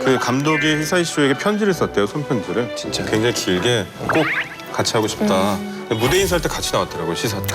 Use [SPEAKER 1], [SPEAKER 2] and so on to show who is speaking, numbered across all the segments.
[SPEAKER 1] 그 감독이 히사이 쇼에게 편지를 썼대요, 손편지를.
[SPEAKER 2] 진짜?
[SPEAKER 1] 굉장히 길게 꼭 같이 하고 싶다. 무대 인사할 때 같이 나왔더라고요, 시사 때.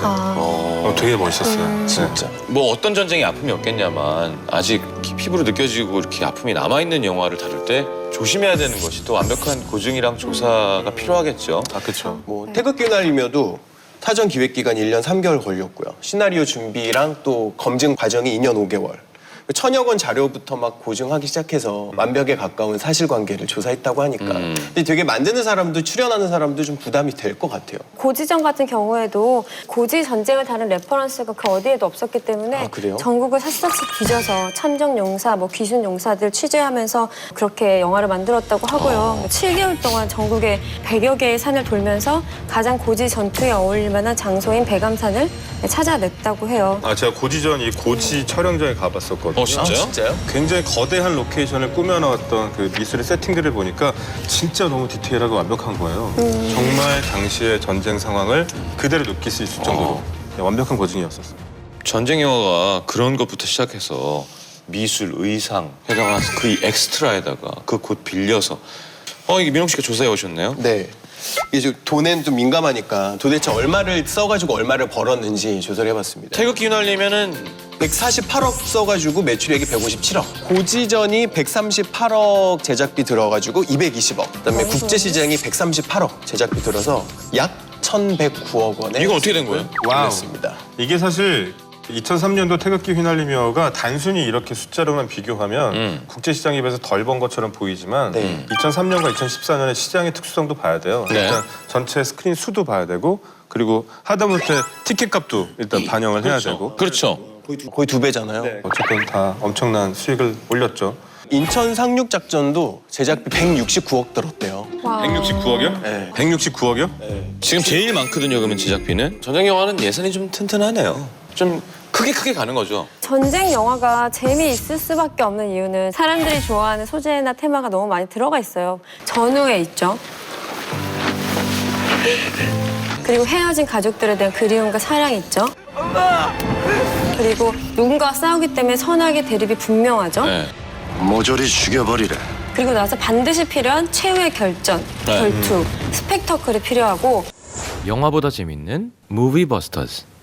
[SPEAKER 1] 되게 멋있었어요.
[SPEAKER 2] 진짜.
[SPEAKER 3] 뭐 어떤 전쟁의 아픔이 없겠냐만 아직 피부로 느껴지고 이렇게 아픔이 남아있는 영화를 다룰 때 조심해야 되는 것이 또 완벽한 고증이랑 조사가 필요하겠죠.
[SPEAKER 1] 아, 그렇죠.
[SPEAKER 2] 뭐 태극기 휘날리며도 사전 기획 기간 1년 3개월 걸렸고요. 시나리오 준비랑 또 검증 과정이 2년 5개월. 천여 건 자료부터 막 고증하기 시작해서 완벽에 가까운 사실관계를 조사했다고 하니까 근데 되게 만드는 사람도 출연하는 사람도 좀 부담이 될 것 같아요.
[SPEAKER 4] 고지전 같은 경우에도 고지 전쟁을 다룬 레퍼런스가 그 어디에도 없었기 때문에
[SPEAKER 2] 아, 그래요?
[SPEAKER 4] 전국을 샅샅이 뒤져서 참정 용사, 뭐 귀순 용사들 취재하면서 그렇게 영화를 만들었다고 하고요. 7개월 동안 전국의 100여 개의 산을 돌면서 가장 고지 전투에 어울릴 만한 장소인 백암산을 찾아냈다고 해요.
[SPEAKER 1] 아, 제가 고지전 이 고지 촬영장에 가봤었거든요.
[SPEAKER 3] 진짜요?
[SPEAKER 2] 진짜요?
[SPEAKER 1] 굉장히 거대한 로케이션을 꾸며나왔던 그 미술의 세팅들을 보니까 진짜 너무 디테일하고 완벽한 거예요. 정말 당시의 전쟁 상황을 그대로 느낄 수 있을 정도로 완벽한 고증이었었어요.
[SPEAKER 3] 전쟁 영화가 그런 것부터 시작해서 미술, 의상, 게다가 그 엑스트라에다가 그 곳 빌려서 이게 민홍 씨가 조사해 오셨네요?
[SPEAKER 2] 네. 이게 좀 돈엔 좀 민감하니까 도대체 얼마를 써가지고 얼마를 벌었는지 조사를 해봤습니다.
[SPEAKER 3] 태극기 휘날리면은
[SPEAKER 2] 148억 써가지고 매출액이 157억. 고지전이 138억 제작비 들어가지고 220억. 그다음에 국제시장이 138억 제작비 들어서 약 1,109억 원에
[SPEAKER 3] 이건 어떻게 된 거예요?
[SPEAKER 2] 올렸습니다.
[SPEAKER 1] 이게 사실 2003년도 태극기 휘날리며가 단순히 이렇게 숫자로만 비교하면 국제시장 입에서 덜 번 것처럼 보이지만
[SPEAKER 2] 네.
[SPEAKER 1] 2003년과 2014년의 시장의 특수성도 봐야 돼요.
[SPEAKER 3] 네.
[SPEAKER 1] 일단 전체 스크린 수도 봐야 되고 그리고 하다못해 티켓 값도 일단 반영을 해야 되고
[SPEAKER 3] 그렇죠.
[SPEAKER 2] 거의 두 배잖아요.
[SPEAKER 1] 어쨌든 다 엄청난 수익을 올렸죠.
[SPEAKER 2] 인천 상륙 작전도 제작비 169억 들었대요.
[SPEAKER 1] 169억이요?
[SPEAKER 2] 네.
[SPEAKER 1] 169억이요?
[SPEAKER 3] 지금 제일 많거든요, 그러면 제작비는. 전쟁 영화는 예산이 좀 튼튼하네요. 좀 크게 가는 거죠.
[SPEAKER 4] 전쟁 영화가 재미있을 수밖에 없는 이유는 사람들이 좋아하는 소재나 테마가 너무 많이 들어가 있어요. 전우에 있죠. 그리고 헤어진 가족들에 대한 그리움과 사랑이 있죠. 그리고 누군가와 싸우기 때문에 선악의 대립이 분명하죠.
[SPEAKER 3] 네.
[SPEAKER 5] 모조리 죽여버리래.
[SPEAKER 4] 그리고 나서 반드시 필요한 최후의 결전, 결투, 스펙터클이 필요하고
[SPEAKER 6] 영화보다 재밌는 무비버스터즈.